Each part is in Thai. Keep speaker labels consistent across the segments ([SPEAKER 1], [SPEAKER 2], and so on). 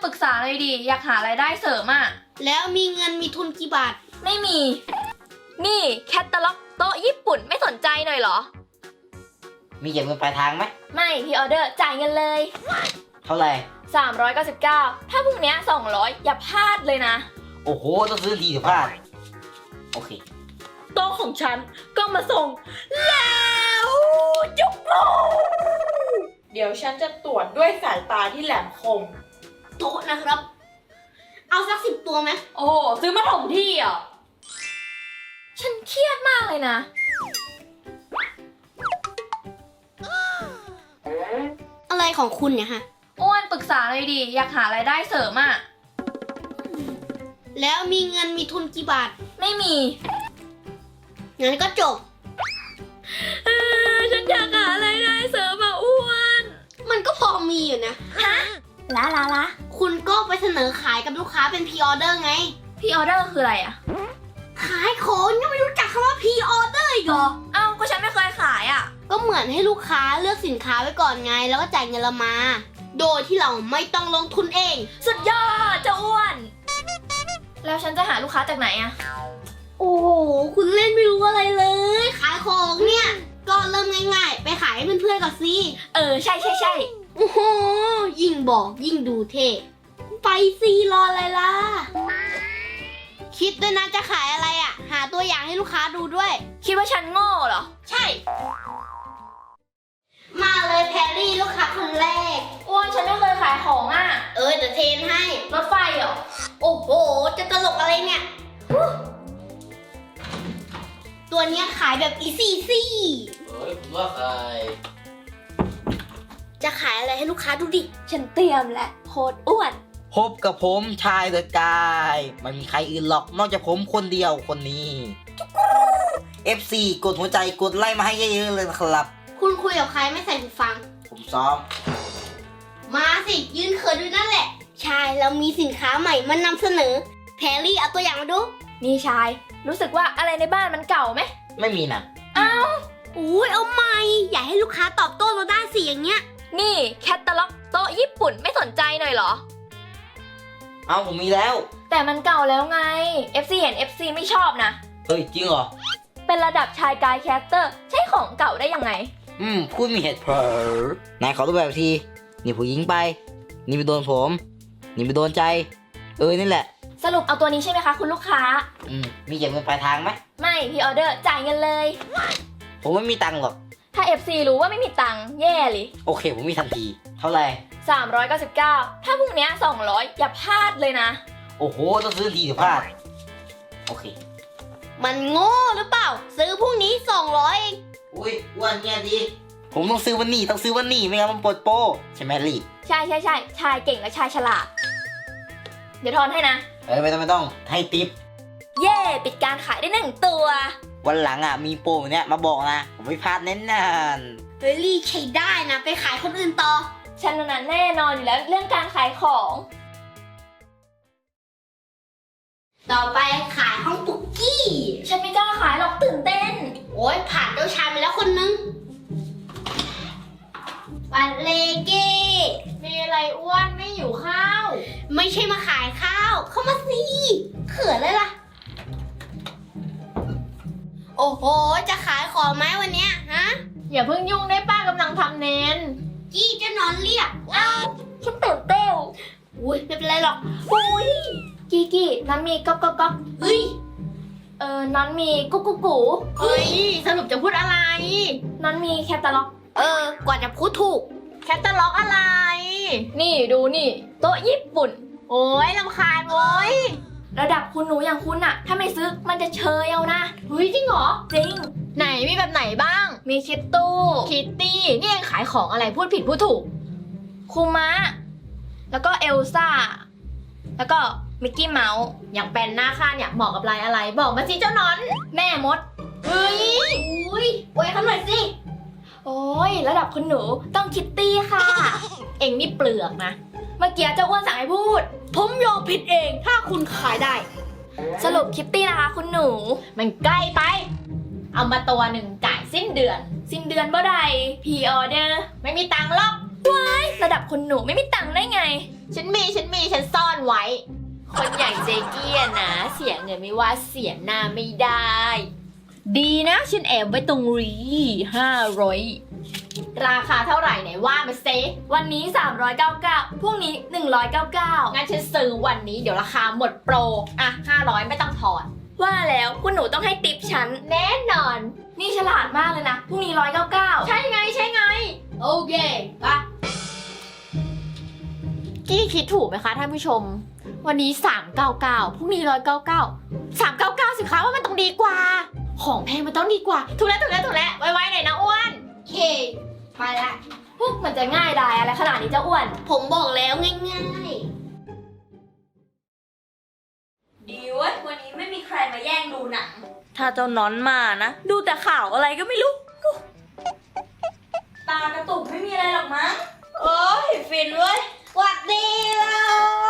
[SPEAKER 1] ปรึกษาเลยดิอยากหารายได้เสริมอ่ะ
[SPEAKER 2] แล้วมีเงินมีทุนกี่บาท
[SPEAKER 1] ไม่มีนี่แคตตาล็อกโต๊ะญี่ปุ่นไม่สนใจหน่อยเหรอ
[SPEAKER 3] มีเก็บเงินปลายทางไหม
[SPEAKER 1] ไม่พี่ออเดอร์จ่ายเงินเลย
[SPEAKER 3] เท่าไหร่
[SPEAKER 1] 399ถ้าพรุ่งนี้200อย่าพลาดเลยนะ
[SPEAKER 3] โอ้โหต้องซื้อทีเดี๋ยวพลาดโอเค
[SPEAKER 1] โต๊ะของฉันก็มาส่งแล้วจุ๊บ
[SPEAKER 4] เดี๋ยวฉันจะตรวจด้วยสายตาที่แหลมคม
[SPEAKER 2] โต๊ะนะครับเอาสัก10 ตัวไหม
[SPEAKER 1] โอ้โหซื้อมาถมที่อ่ะฉันเครียดมากเลยนะ
[SPEAKER 2] อะไรของคุณเนี่ยฮะ
[SPEAKER 1] อ้วนปรึกษาเลยดิอยากหารายได้เสริมอ่ะ
[SPEAKER 2] แล้วมีเงินมีทุนกี่บาท
[SPEAKER 1] ไม่มี
[SPEAKER 2] งั้นก็จบ
[SPEAKER 1] ฉันอยากหารายได้เสริมอ่ะอ้วน
[SPEAKER 2] มันก็พอมีอยู่นะ
[SPEAKER 1] ฮะละ
[SPEAKER 2] คุณก็ไปเสนอขายกับลูกค้าเป็นพรีออเดอร์ไง
[SPEAKER 1] พรีออเดอร์คืออะไรอ่ะ
[SPEAKER 2] ขายของยังไม่รู้จักคำว่าพรีออเดอร์อีกเหรอ
[SPEAKER 1] เอ้าก็ฉันไม่เคยขายอ่ะ
[SPEAKER 2] ก็เหมือนให้ลูกค้าเลือกสินค้าไว้ก่อนไงแล้วก็จ่ายเงินเรามาโดยที่เราไม่ต้องลงทุนเอง
[SPEAKER 1] สุดยอดเจ้าอ้วนแล้วฉันจะหาลูกค้าจากไหนอะ
[SPEAKER 2] โอ้โหคุณเล่นไม่รู้อะไรเลยขายของเนี่ยก็เริ่มง่ายๆไปขายให้เพื่อนๆก่อนสิ
[SPEAKER 1] ใช่
[SPEAKER 2] โอ้โหยิ่งบอกยิ่งดูเท่ไปสิรออะไรล่ะคิดด้วยนะจะขายอะไรอะหาตัวอย่างให้ลูกค้าดูด้วย
[SPEAKER 1] คิดว่าฉันโง่เหรอ
[SPEAKER 2] ใช่มาเลยแพรรี่ลูกค้าคนแรก
[SPEAKER 1] อ้วนฉันไม่เคยขายของอ่ะ
[SPEAKER 2] เดี๋ยวเทรนให้
[SPEAKER 1] รถไฟเหรอ
[SPEAKER 2] โอ้โหจะตลกอะไรเนี่ยตัวเนี้ยขายแบบอีซี่
[SPEAKER 3] ผมว่าขาย
[SPEAKER 2] จะขายอะไรให้ลูกค้าดูดิ
[SPEAKER 1] ฉันเตรียมและโคตรอ้วน
[SPEAKER 3] พบกับผมชายเดอะกายไม่มีใครอื่นหรอกนอกจากผมคนเดียวคนนี้ FC กดหัวใจกดไลค์มาให้เยอะๆเลยนะครับ
[SPEAKER 2] คุณคุยกับใครไม่ใส่หูฟัง
[SPEAKER 3] ผมซ้อม
[SPEAKER 2] มาสิยืนเขินดูนั่นแหละชายเรามีสินค้าใหม่มานำเสนอแพรรี่เอาตัวอย่างมาดู
[SPEAKER 1] นี่ชายรู้สึกว่าอะไรในบ้านมันเก่าไหม
[SPEAKER 3] ไม่มีนะ
[SPEAKER 1] อ้าว
[SPEAKER 2] อุ้ยเอาใหม่อยากให้ลูกค้าตอบโต้เราได้สิอย่างเงี้ย
[SPEAKER 1] นี่แคตตาล็อกโต๊ะญี่ปุ่นไม่สนใจหน่อยเหรอ
[SPEAKER 3] เอาผมมีแล้ว
[SPEAKER 1] แต่มันเก่าแล้วไง FC เห็น FC ไม่ชอบนะ
[SPEAKER 3] เฮ้ยจริงเหรอ
[SPEAKER 1] เป็นระดับชายกายแคสเตอร์ใช้ของเก่าได้ยังไง
[SPEAKER 3] พูดมีเหตุผลนายขอตัวแบบทีนี่ผู้หญิงไปนี่ไปโดนผมนี่ไปโดนใจนี่แหละ
[SPEAKER 1] สรุปเอาตัวนี้ใช่ไหมคะคุณลูกค้า
[SPEAKER 3] มีเก็บเงินปลายทางไหม
[SPEAKER 1] ไม่พี่ออเดอร์จ่ายเงินเลย
[SPEAKER 3] ผมไม่มีตังค์หรอก
[SPEAKER 1] ถ้า FC รู้ว่าไม่มีตังค์แย่เลย
[SPEAKER 3] โอเคผมมีทันทีเท่าไหร่
[SPEAKER 1] 399ถ้าพรุ่งนี้200อย่าพลาดเลยนะ
[SPEAKER 3] โอ้โหต้องซื้อทีเดี๋ยวพลาดโอเค
[SPEAKER 2] มันโง่หรือเปล่าซื้อพรุ่งนี้200เอง
[SPEAKER 3] อุ้ยอ้วนเนี่ยดีผมต้องซื้อวันนี้ไม่งั้นมันปวดโป้ใช่ไหมลี่
[SPEAKER 1] ใช่ชายเก่งและชายฉลาดเดี๋ยวทอนให้นะ
[SPEAKER 3] ไม่ต้องให้ติ๊บ
[SPEAKER 1] เย่ปิดการขายได้1 ตัว
[SPEAKER 3] วันหลังมีโปรเนี้ยมาบอกนะผมไม่พลาดแน่นอน
[SPEAKER 2] เฮ้ยลี่ใช้ได้นะไปขายคนอื่นต่อ
[SPEAKER 1] ฉันนั้นแน่นอนอยู่แล้วเรื่องการขายของ
[SPEAKER 2] ต่อไปขายห้องปุกกี้
[SPEAKER 1] ฉันไม่กล้าขายหรอกตื่นเต้น
[SPEAKER 2] โอ้ยผ่านเจ้าชายมาแล้วคนนึงปันเลเก้
[SPEAKER 4] มีอะไรอ้วนไม่อยู่ข้าว
[SPEAKER 2] ไม่ใช่มาขายข้าวเข้ามาสิเขินเลยล่ะโอ้โหจะขายของไหมวันเนี้ยฮะ
[SPEAKER 4] อย่าเพิ่งยุ่งได้ป้ากำลังทำเน้น
[SPEAKER 2] กี้จะนอนเรียก
[SPEAKER 1] ฉันตื่นเต้น
[SPEAKER 2] อุ้ยไม่เป็นไรหรอก
[SPEAKER 1] อุ้ยกี้นั้นมีก๊อก
[SPEAKER 2] เฮ้ย
[SPEAKER 1] นั้นมีกุ๊ก
[SPEAKER 4] เฮ้ยสรุปจะพูดอะไร
[SPEAKER 1] นั้นมีแคตตาล็อก
[SPEAKER 2] กว่าจะพูดถูก
[SPEAKER 4] แคตตาล็อกอะไร
[SPEAKER 1] นี่ดูนี่โต๊ะญี่ปุ่น
[SPEAKER 4] โอ้ยรำคาญโว้ย
[SPEAKER 1] ระดับคุณหนูอย่างคุณอะถ้าไม่ซื้อมันจะเชยเอานะ
[SPEAKER 4] เฮ้ยจริงเหรอ
[SPEAKER 1] จริง
[SPEAKER 4] ไหนมีแบบไหนบ้าง
[SPEAKER 1] มีคิตตู้
[SPEAKER 4] คิตตี้นี่ยังขายของอะไรพูดผิดพูดถูก
[SPEAKER 1] คูมะแล้วก็เอลซ่าแล้วก็มิกกี้เมาส์
[SPEAKER 4] อย่างเป็นหน้าค่าเนี่ยเหมาะกับลายอะไรบอกมาสิเจ้านอน
[SPEAKER 1] แม่มด
[SPEAKER 4] เฮ้ย
[SPEAKER 2] อุ้ยไว้เขาหน่อยสิ
[SPEAKER 1] โอ้ยระดับคุณหนูต้องคิตตี้ค่ะ
[SPEAKER 4] เอ็งนี่เปลือกนะ
[SPEAKER 1] เมื่อกี้เจ้าอ้วนสั่งให้พูด
[SPEAKER 2] ผมยอมผิดเองถ้าคุณขายได้
[SPEAKER 1] สรุปคิตตี้นะคะคุณหนู
[SPEAKER 4] มันใกล้ไปเอามาตัวหนึ่งจ่ายสิ้นเดือน
[SPEAKER 1] บ่ได้พรีออเดอร์
[SPEAKER 4] ไม่มีตังค์หรอก
[SPEAKER 1] ว้ายระดับคุณหนูไม่มีตังค์ได้ไง
[SPEAKER 4] ฉันซ่อนไว้ คนอย่างเจเกียนะ เสียเงินไม่ว่าเสียหน้าไม่ได้ ดีนะฉันแอบไว้ตรงรี500 ราคาเท่าไหร่ไหนว่ามาเซ
[SPEAKER 1] วันนี้ 399พรุ่งนี้ 199
[SPEAKER 4] งั้นฉันซื้อวันนี้เดี๋ยวราคาหมดโปร อ่ะ 500 ไม่ต้องถอน
[SPEAKER 1] ว่าแล้วคุณหนูต้องให้ติปฉัน
[SPEAKER 4] แน่นอน
[SPEAKER 1] นี่ฉลาดมากเลยนะพรุ่งนี้199
[SPEAKER 4] ใช่ไง
[SPEAKER 2] โอเคปะ
[SPEAKER 4] กี้คิดถูกไหมคะท่านผู้ชม วันนี้ 399พรุ่งนี้199 399สิคะว่ามันต้องดีกว่า ของแพงมันต้องดีกว่า ถูกแล้วไวๆหน่อยนะอ้วน
[SPEAKER 2] โอเคไปละ
[SPEAKER 1] พวกมันจะง่ายดายอะไรขนาดนี้เจ้าอ้วน
[SPEAKER 2] ผมบอกแล้วง่าย
[SPEAKER 1] ดีเว้ยวันนี้ไม่มีใครมาแย่งดูหนัง ถ้าเจ้านอนมานะ ดูแต่ข่าวอะไรก็ไม่รู้ ตากระตุกไม่มีอะไรหรอกมั้งโอ้ยฟินเว้ย
[SPEAKER 2] ๆหวัดดีเรา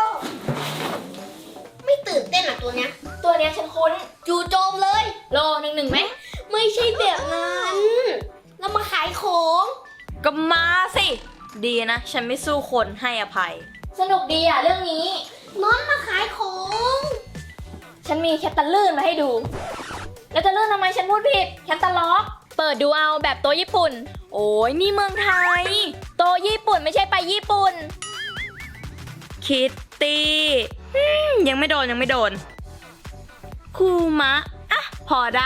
[SPEAKER 2] ไม่ตื่นเต้นหรอตัวเนี้ย
[SPEAKER 1] ตัวเนี้ยฉันคุ้น
[SPEAKER 2] จู่โจมเลย
[SPEAKER 1] โลหนึ่งไหม
[SPEAKER 2] ไม่ใช่แบบนั้นเรามาขายของ
[SPEAKER 1] ก็มาสิ ดีนะ ฉันไม่สู้คนให้อภัย สนุกดีอ่ะเรื่องนี้
[SPEAKER 2] น้องมาขายของ
[SPEAKER 1] ฉันมีแคตตาลื่นมาให้ดู แล้วจะลื่นทำไมฉันพูดผิด แคตตาล็อก เปิดดูเอาแบบโต๊ะญี่ปุ่น โอ้ยนี่เมืองไทย โต๊ะญี่ปุ่นไม่ใช่ไปญี่ปุ่น คิตตี้ยังไม่โดน คูมะ อ่ะ พอได้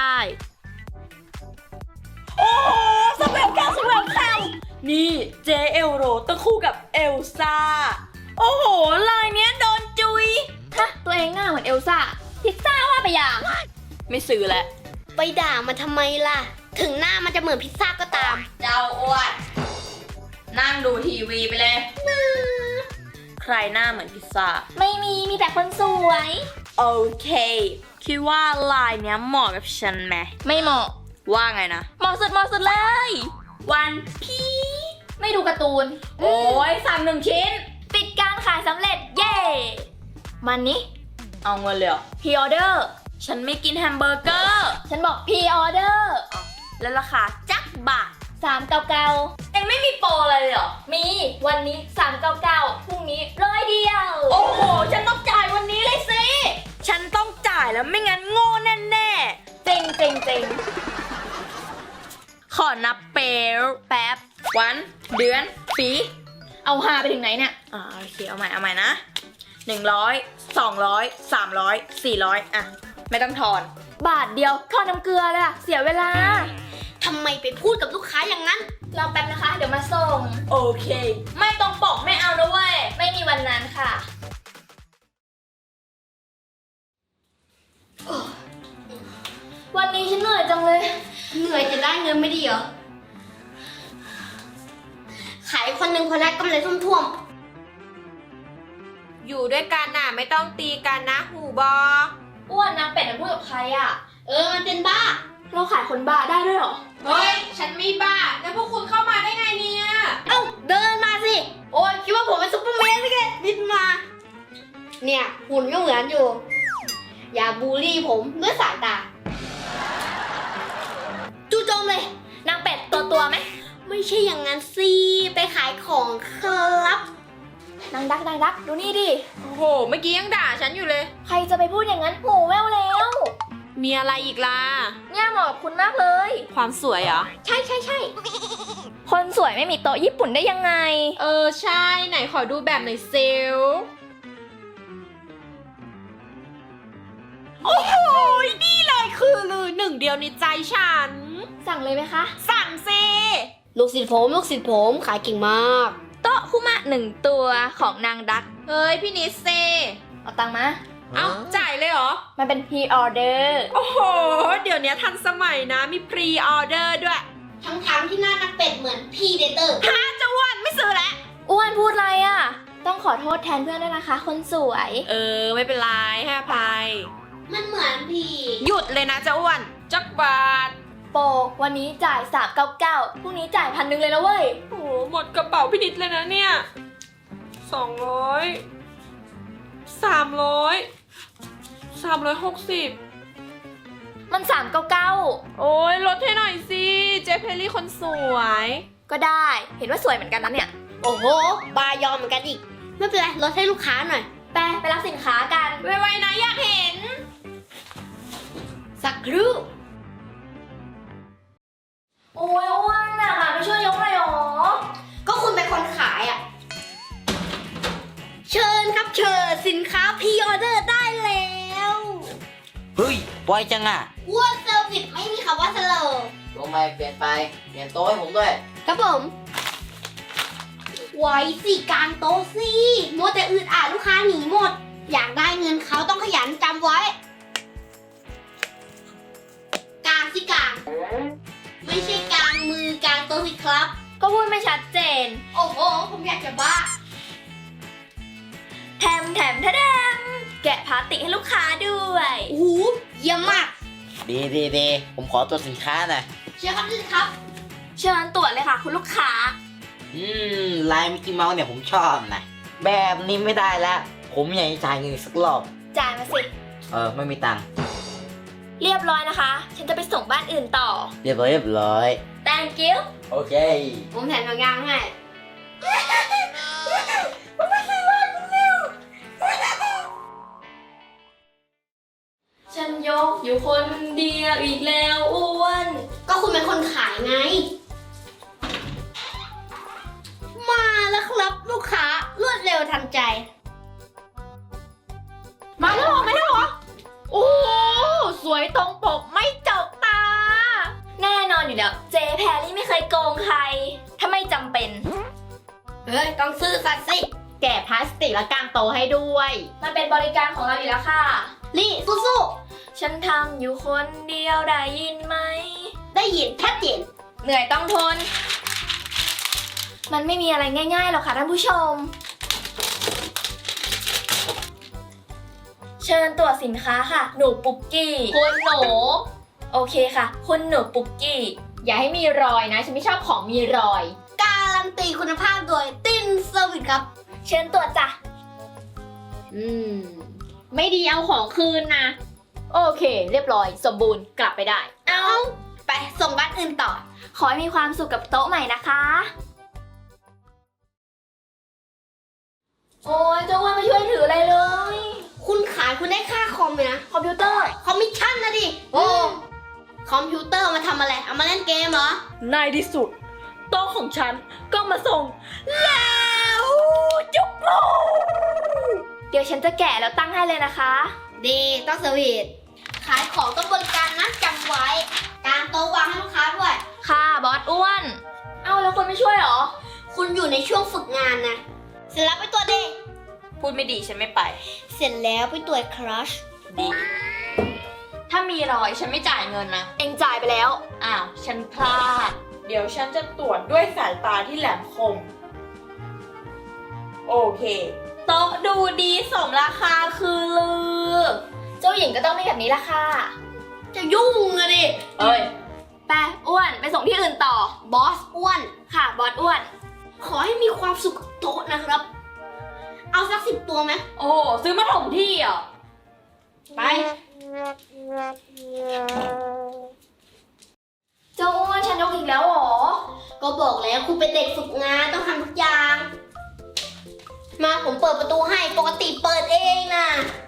[SPEAKER 1] โอ้สเวลแคมนี่เจเอลโรต้องคู่กับเอลซ่า โอ้โห ลายเนี้ยโดนจุยฮะตัวเองหน้าเหมือนเอลซ่า พิซซ่าว่าไปอย่าง ไม่ซื้อแล้ว
[SPEAKER 2] ไปด่ามันทำไมล่ะ ถึงหน้ามันจะเหมือนพิซซ่าก็ตาม
[SPEAKER 1] เจ้าอ้วนนั่งดูทีวีไปเลย ใครหน้าเหมือนพิซซ่า ไม่มีแต่คนสวย โอเค คิดว่าลายเนี้ยเหมาะกับฉันไหม ไม่เหมาะ ว่าไงนะ เหมาะสุดเลย วันพีไม่ดูการ์ตูน โอ้ยสั่ง1 ชิ้น ปิดการขายสำเร็จ เย่มันนี้ เอาเงินเลยพรีออเดอร์ ฉันไม่กินแฮมเบอร์เกอร์ ฉันบอกพรีออเดอร์ แล้วราคาจักบาท399เอ็งไม่มีโปรอะไรเลยเหรอ มีวันนี้399พรุ่งนี้100 เดียว โอ้โห ฉันต้องจ่ายวันนี้เลยสิ ฉันต้องจ่ายแล้วไม่งั้นโง่แน่ๆเจ๋งขอนับเปลแป๊บ วัน เดือน ปี เอาหาไปถึงไหนเนี่ยโอเค เอาใหม่นะ100 200 300 400อ่ะ ไม่ต้องทอน บาทเดียวทอนน้ำเกลือเลยอะเสียเวลา
[SPEAKER 2] ทำไมไปพูดกับลูกค้าอย่างนั้น
[SPEAKER 1] รอแป๊บนะคะ เดี๋ยวมาส่ง โอเค ไม่ต้องปกไม่เอานะเว้ย ไม่มีวันนั้นค่ะ วันนี้ฉันเหนื่อยจังเลย
[SPEAKER 2] เหนื่อยจะได้เงินไม่ดีเหรอ ขายคนหนึ่งคนแรกกำไรท่วม
[SPEAKER 4] อยู่ด้วยกันน่ะไม่ต้องตีกันนะหูบอ
[SPEAKER 1] อ้วนนางเป็ดมันพูดกับใครอะ
[SPEAKER 2] มันเป็นบ้า
[SPEAKER 1] เราขายคนบ้าได้ด้วยเหรอ
[SPEAKER 4] เฮ้ย ฉันไม่บ้า แล้วพวกคุณเข้ามาได้ไงเนี่ย
[SPEAKER 2] เอ้าเดินมาสิ โอ้ยคิดว่าผมเป็นซุปเปอร์แมนสิแกบินมา เนี่ยหุ่นก็เหมือนอยู่ อย่าบูลลี่ผมด้วยสายตา จู่โจมเลย
[SPEAKER 1] นางเป็ดตัวไหม
[SPEAKER 2] ไม่ใช่อย่างนั้นสิ ไปขายของครับ
[SPEAKER 1] นางดัก ดูนี่ดิ
[SPEAKER 4] โอ้โห เมื่อกี้ยังด่าฉันอยู่เลย
[SPEAKER 1] ใครจะไปพูดอย่างนั้นหูแว่วแล้ว
[SPEAKER 4] มีอะไรอีกล่ะ
[SPEAKER 1] เนี่ยเหมาะกับคุณมากเลย
[SPEAKER 4] ความสวยเหรอ
[SPEAKER 1] ใช่ คนสวยไม่มีโต๊ะญี่ปุ่นได้ยังไง
[SPEAKER 4] ใช่ ไหนขอดูแบบหน่อยเซล โอ้โห นี่เลยคือลือหนึ่งเดียวในใจฉัน
[SPEAKER 1] สั่งเลยไหมคะ
[SPEAKER 4] สั่งซิ
[SPEAKER 2] ลูกศิษย์ผมขายเก่งมาก
[SPEAKER 1] โต๊ะคุมะ1 ตัวของนางดัก
[SPEAKER 4] เฮ้ย พี่นิดเซ
[SPEAKER 1] เอาตังค์มา
[SPEAKER 4] เอ้า จ่ายเลยเหรอ
[SPEAKER 1] มันเป็นพรีออเดอร์
[SPEAKER 4] โอ้โห เดี๋ยวนี้ทันสมัยนะ มีพรีออเดอร์ด้วย
[SPEAKER 2] ทั้งที่หน้านักเป็ดเหมือนพี่เดเตอร์
[SPEAKER 4] ฮะจะอ้วนไม่ซื้อแล้ว
[SPEAKER 1] อ้วนพูดอะไรอ่ะ ต้องขอโทษแทนเพื่อนด้วยนะคะ คนสวย
[SPEAKER 4] ไม่เป็นไรให้อภัย
[SPEAKER 2] มันเหมือนพี่
[SPEAKER 4] หยุดเลยนะเจ้าอ้วนจักบาท
[SPEAKER 1] โปรวันนี้จ่าย399พรุ่งนี้จ่าย1,000เลยนะเว้ย
[SPEAKER 4] โอ้โหหมดกระเป๋าพี่นิดเลยนะเนี่ย200 360
[SPEAKER 1] มัน399
[SPEAKER 4] โอ้ยลดให้หน่อยสิ เจเพลลี่คนสวย
[SPEAKER 1] ก็ได้ เห็นว่าสวยเหมือนกันนะเนี่ย
[SPEAKER 2] โอ้โห บายอมเหมือนกันอีกไม่เป็นไรลดให้ลูกค้าหน่อย
[SPEAKER 1] ไปรับสินค้ากันไวๆนะอยากเห็น
[SPEAKER 2] สักครู่
[SPEAKER 1] โอ้ยอ้วนน่ะไปช่วยยกหน่อยหรอ
[SPEAKER 2] ก็คุณเป็นคนขายอ่ะ เชิญครับเชิญสินค้าพรีออเดอร์ได้แล้ว
[SPEAKER 3] เฮ้ยไวจังอ่ะ
[SPEAKER 2] อ้วนเซอร์วิสไม่มีคำว่าสโลว์
[SPEAKER 3] ลงไปเปลี่ยนโต๊ะให้ผมด้วย
[SPEAKER 2] ครับผมไว้สิกลางโต๊ะสิมัวแต่อืดอาดลูกค้าหนีหมด อยากได้เงินเขาต้องขยันจำไว้กลางสิกลาง ไม่ใช่กลางมือกลางโต๊ะสิครับ
[SPEAKER 1] ก็พูดไม่ชัดเจน
[SPEAKER 2] โอ้โหผมอยากจะบ้า
[SPEAKER 1] แถมแกะพลาสติกให้ลูกค้าด้วย
[SPEAKER 2] โอ้โหเยี่ยมมาก
[SPEAKER 3] ดีผมขอตัวสินค้าหน่อย
[SPEAKER 2] เชิญครับเชิญครับ
[SPEAKER 1] เชิญตรวจเลยค่ะคุณลูกค้า
[SPEAKER 3] ลายมิกกี้เมาส์เนี่ยผมชอบนะแบบนี้ไม่ได้แล้ว ผมอยากจะจ่ายเงินอีกสักรอบ
[SPEAKER 1] จ่ายมาสิ
[SPEAKER 3] ไม่มีตังค์
[SPEAKER 1] เรียบร้อยนะคะ ฉันจะไปส่งบ้านอื่นต่อ
[SPEAKER 3] เรียบร้อย
[SPEAKER 1] thank you
[SPEAKER 3] โอเค
[SPEAKER 2] ผมแถมหนังยางให้
[SPEAKER 1] ฉันยกอยู่คนเดียวอีกแล้วอ้วน
[SPEAKER 2] ก็คุณเป็นคนขายไง มาแล้วครับลูกค้ารวดเร็วทันใจ
[SPEAKER 4] มาแล้วเหรอไม่ได้เหรอ โอ้สวยตรงปกไม่จกตา
[SPEAKER 1] แน่นอนอยู่แล้วเจแพรรี่ไม่เคยโกงใคร ถ้าไม่จำเป็น
[SPEAKER 2] เฮ้ย ต้องซื้อสัตว์สิ
[SPEAKER 4] แกะพลาสติกและกางโตะให้ด้วย
[SPEAKER 1] มันเป็นบริการของเราอยู่แล้วค่ะ
[SPEAKER 2] ลี่สู้
[SPEAKER 1] ฉันทำอยู่คนเดียวได้ยินไหม
[SPEAKER 2] ๆได้ยินชัดเจน
[SPEAKER 1] เหนื่อยต้องทน มันไม่มีอะไรง่ายๆหรอกค่ะท่านผู้ชม เชิญตรวจสินค้าค่ะ หนูปุกกี้
[SPEAKER 4] คุณหนู
[SPEAKER 1] โอเคค่ะ คุณหนูปุกกี้
[SPEAKER 4] อย่าให้มีรอยนะ ฉันไม่ชอบของมีรอย
[SPEAKER 2] การันตีคุณภาพโดยตินเซอร์วิสครับ
[SPEAKER 1] เชิญตรวจจ้ะ
[SPEAKER 4] ไม่ดีเอาของคืนนะ โอเค เรียบร้อย สมบูรณ์กลับไปได้
[SPEAKER 2] เอาไปส่งบ้านอื่นต่อ
[SPEAKER 1] ขอให้มีความสุขกับโต๊ะใหม่นะคะ โอ้ยเจ้าอ้วนไม่ช่วยถืออะไรเลย
[SPEAKER 2] คุณขายคุณได้ค่าคอมเลยนะ
[SPEAKER 1] คอมพิวเตอร์
[SPEAKER 2] คอมมิชชั่นนะดิ โอ้ คอมพิวเตอร์มาทำอะไร เอามาเล่นเกมเหรอ
[SPEAKER 1] ในที่สุดโต๊ะของฉันก็มาส่งแล้วจุ๊บลูเดี๋ยวฉันจะแกะแล้วตั้งให้เลยนะคะ
[SPEAKER 2] ดีต้องเซอร์วิสขายของต้องบริการนะจำไว้ การโต๊ะวางให้ลูกค้าด้วย
[SPEAKER 1] ค่ะบอสอ้วน เอาแล้วคนไม่ช่วยเหรอ
[SPEAKER 2] คุณอยู่ในช่วงฝึกงานนะ เสร็จแล้วไปตรวจดิ
[SPEAKER 1] พูดไม่ดีฉันไม่ไป
[SPEAKER 2] เสร็จแล้วไปตรวจครัช
[SPEAKER 1] ดี ถ้ามีรอยฉันไม่จ่ายเงินนะ เองจ่ายไปแล้ว อ้าว ฉันพลาด
[SPEAKER 5] เดี๋ยวฉันจะตรวจด้วยสายตาที่แหลมคม โอเค
[SPEAKER 1] โต๊ะดูดีสมราคาคือลือ เจ้าหญิงก็ต้องมีแบบนี้ละค่ะ
[SPEAKER 2] จะยุ่งอะดิ
[SPEAKER 1] เอ้ย ไปอ้วนไปส่งที่อื่นต่อ
[SPEAKER 2] บอสอ้วน
[SPEAKER 1] ค่ะบอสอ้วน
[SPEAKER 2] ขอให้มีความสุขกับโต๊ะนะครับ เอาสัก10 ตัวไหม
[SPEAKER 1] โอ้โหซื้อมาถมที่อ่ะ
[SPEAKER 2] ไป
[SPEAKER 1] เจ้าอ้วนฉันยกอีกแล้วเหรอ
[SPEAKER 2] ก็บอกแล้วคุณเป็นเด็กฝึกงานต้องทำทุกอย่าง มาผมเปิดประตูให้ปกติเปิดเองนะ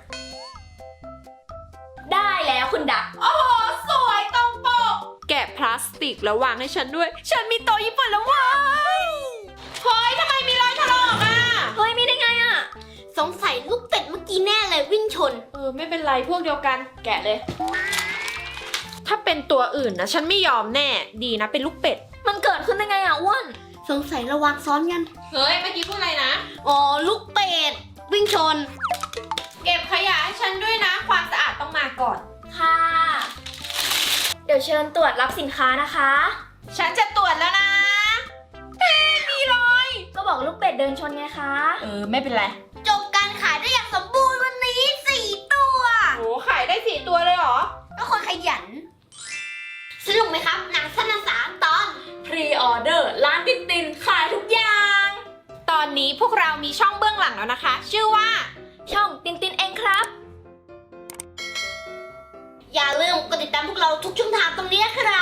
[SPEAKER 1] ได้แล้วคุณดัก
[SPEAKER 5] โอ้โห สวยตรงปก แกะพลาสติกแล้ววางให้ฉันด้วย ฉันมีโต๊ะญี่ปุ่นแล้วเว้ยเฮ้ยทำไมมีรอยถลอกอ่ะ
[SPEAKER 1] เฮ้ยมีได้ไงอ่ะ
[SPEAKER 2] สงสัยลูกเป็ดเมื่อกี้แน่เลยวิ่งชน
[SPEAKER 5] ไม่เป็นไรพวกเดียวกัน แกะเลย ถ้าเป็นตัวอื่นนะ ฉันไม่ยอมแน่ ดีนะเป็นลูกเป็ด
[SPEAKER 1] มันเกิดขึ้นได้ไงอ่ะอ้วน
[SPEAKER 2] สงสัยระวังซ้อนกัน
[SPEAKER 5] เฮ้ย เมื่อกี้พูดอะไรนะ
[SPEAKER 2] อ๋อลูกเป็ดวิ่งชน
[SPEAKER 5] เก็บขยะให้ฉันด้วยนะ ความสะอาดต้องมาก่อน
[SPEAKER 1] ค่ะ เดี๋ยวเชิญตรวจรับสินค้านะคะ
[SPEAKER 5] ฉันจะตรวจแล้วนะ มีรอย
[SPEAKER 1] ก็บอกลูกเป็ดเดินชนไงคะ
[SPEAKER 5] ไม่เป็นไร
[SPEAKER 2] จบการขายได้อย่างสมบูรณ์วันนี้4 ตัว
[SPEAKER 5] โห ขายได้4 ตัวเลยเหรอ
[SPEAKER 2] ก็คนขยัน สนุกไหมครับ หนังสั้น3 ตอน
[SPEAKER 1] พรีออเดอร์ร้านตินตินขายทุกอย่าง
[SPEAKER 5] ตอนนี้พวกเรามีช่องเบื้องหลังแล้วนะคะ ชื่อว่า
[SPEAKER 1] ช่องตินตินเองครับ
[SPEAKER 2] อย่าลืมกดติดตามพวกเราทุกช่องทางตรงนี้นะครับ